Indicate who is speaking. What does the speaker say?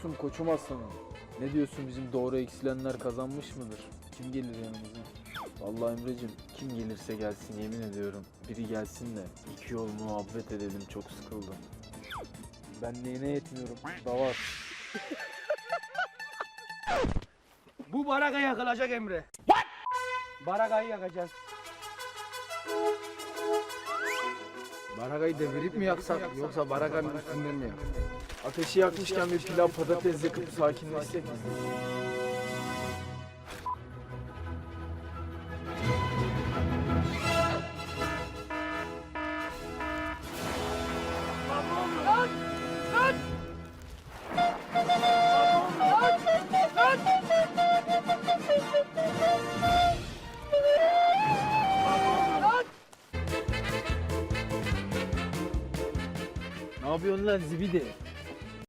Speaker 1: diyorsun koçum aslanım? Ne diyorsun, bizim doğru eksilenler kazanmış mıdır? Kim gelir yanımıza? Vallahi Emre'cim, kim gelirse gelsin yemin ediyorum. Biri gelsin de iki yol muhabbet edelim, çok sıkıldım. Ben neyine yetmiyorum da var.
Speaker 2: Bu baraka yakılacak Emre. What? Barakayı yakacağız.
Speaker 1: Barakayı devirip mi yaksak yoksa barakanın üstünde mi yak? Ateşi yakmışken bir pilav patates yakıp sakinleşsek mi? Ne yapıyorsun lan zibidi?